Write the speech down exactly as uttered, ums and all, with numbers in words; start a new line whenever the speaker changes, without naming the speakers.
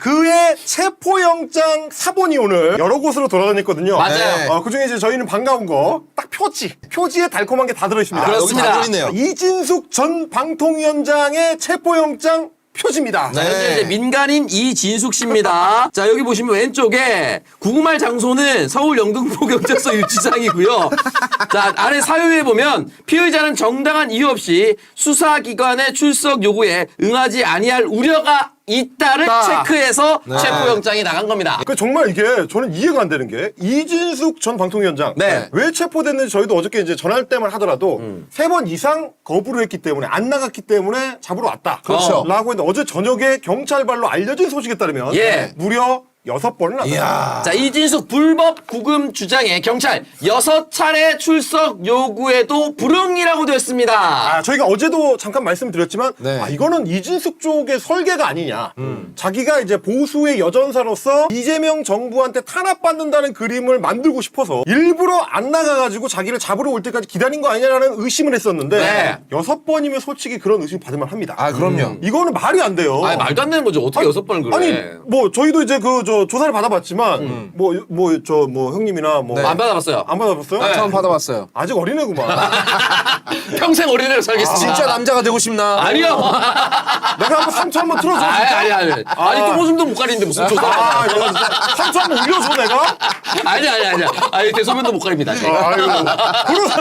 그의 체포영장 사본이 오늘 여러 곳으로 돌아다녔거든요.
맞아요.
어, 그중에 이제 저희는 반가운 거 딱 표지. 표지에 달콤한 게 다 들어있습니다.
아, 그렇습니다.
여기 다 들어있네요.
이진숙 전 방통위원장의 체포영장 표지입니다.
네.
현재 이제 민간인 이진숙 씨입니다. 자, 여기 보시면 왼쪽에 구금할 장소는 서울 영등포 경찰서 유치장이고요. 자, 아래 사유에 보면 피의자는 정당한 이유 없이 수사기관의 출석 요구에 응하지 아니할 우려가 있다를
있다.
체크해서 체포영장이 나간 겁니다.
그 정말 이게 저는 이해가 안 되는 게 이진숙 전 방통위원장
네.
왜 체포됐는지 저희도 어저께 이제 전할 때만 하더라도
음.
세 번 이상 거부를 했기 때문에 안 나갔기 때문에 잡으러 왔다.
그렇죠.
라고 했는데 어제 저녁에 경찰발로 알려진 소식에 따르면
예.
무려 여섯 번을 나갔다.
이야.
자, 이진숙 불법 구금 주장에 경찰 여섯 차례 출석 요구에도 불응이라고 되었습니다.
아, 저희가 어제도 잠깐 말씀드렸지만,
네.
아, 이거는 이진숙 쪽의 설계가 아니냐.
음.
자기가 이제 보수의 여전사로서 이재명 정부한테 탄압받는다는 그림을 만들고 싶어서 일부러 안 나가가지고 자기를 잡으러 올 때까지 기다린 거 아니냐라는 의심을 했었는데,
네.
여섯 번이면 솔직히 그런 의심 받을만 합니다.
아, 그럼요.
이거는 말이 안 돼요.
아니, 말도 안 되는 거죠. 어떻게 여섯 번을 그래.
아니, 뭐, 저희도 이제 그, 저, 조사를 받아봤지만, 뭐, 뭐, 저, 뭐, 형님이나 뭐.
안 받아봤어요.
안 받아봤어요?
네.
처음 받아봤어요.
아직 어린애구만.
평생 어린애로 살겠습니다.
진짜 남자가 되고 싶나?
아니요.
내가 한번 상처 한번 틀어줘.
아니,
진짜?
아니, 아니. 아니, 또 오줌도 못 가리는데 무슨 조사.
아, 내가 진짜 상처 한번 올려줘, 내가?
아니, 아니, 아니. 아니, 대소변도 못 가립니다. 제가.
아이고. 그런